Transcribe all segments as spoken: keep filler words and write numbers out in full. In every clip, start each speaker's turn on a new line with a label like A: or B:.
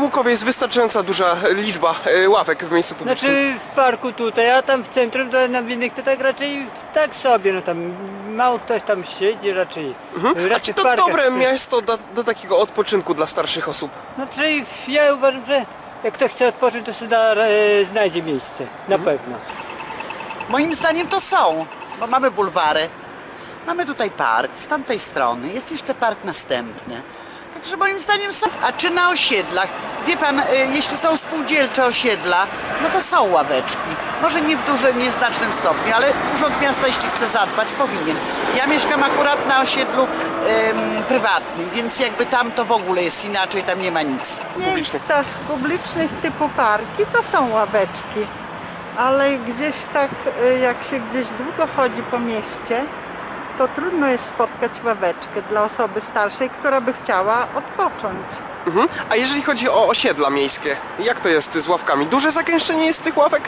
A: Łukowie jest wystarczająca duża liczba e, ławek w miejscu publicznym?
B: Znaczy w parku tutaj, a tam w centrum to na innych to tak raczej tak sobie, no tam mało ktoś tam siedzi raczej.
A: Mhm. A
B: raczej
A: czy
B: w
A: to
B: parkach
A: dobre
B: ktoś-
A: miasto do, do takiego odpoczynku dla starszych osób?
B: Znaczy ja uważam, że jak ktoś chce odpocząć, to sobie da, e, znajdzie miejsce, na
A: Mhm.
B: pewno.
C: Moim zdaniem to są, bo mamy bulwary, mamy tutaj park, z tamtej strony jest jeszcze park następny. Także moim zdaniem są. A czy na osiedlach? Wie pan, y, jeśli są spółdzielcze osiedla, no to są ławeczki. Może nie w dużym, nie w znacznym stopniu, ale Urząd Miasta, jeśli chce zadbać, powinien. Ja mieszkam akurat na osiedlu ym, prywatnym, więc jakby tam to w ogóle jest inaczej, tam nie ma nic.
D: W miejscach publicznych typu parki to są ławeczki, ale gdzieś tak, y, jak się gdzieś długo chodzi po mieście, to trudno jest spotkać ławeczkę dla osoby starszej, która by chciała odpocząć.
A: Mhm. A jeżeli chodzi o osiedla miejskie, jak to jest z ławkami? Duże zagęszczenie jest tych ławek?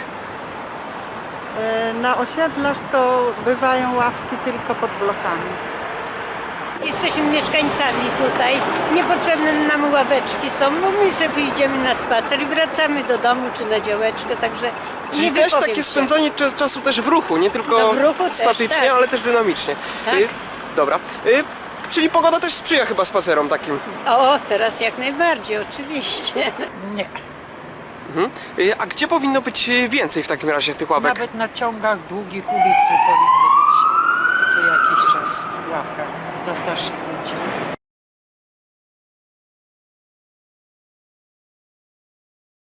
D: Y, Na osiedlach to bywają ławki tylko pod blokami.
E: Jesteśmy mieszkańcami tutaj, niepotrzebne nam ławeczki są, bo my sobie idziemy na spacer i wracamy do domu czy na działeczkę, także
A: Czyli
E: nie
A: też
E: wypowiem
A: takie
E: się.
A: spędzanie czas- czasu też w ruchu, nie tylko
E: No w ruchu też,
A: statycznie,
E: tak.
A: ale też dynamicznie.
E: Tak.
A: Y, dobra. Y, czyli pogoda też sprzyja chyba spacerom takim.
E: O, teraz jak najbardziej, oczywiście.
F: Nie,
A: Mhm. Y, a gdzie powinno być y, więcej w takim razie tych ławek?
F: nawet na ciągach długich ulicy powinny być co jakiś czas ławka dla starszych ludzi.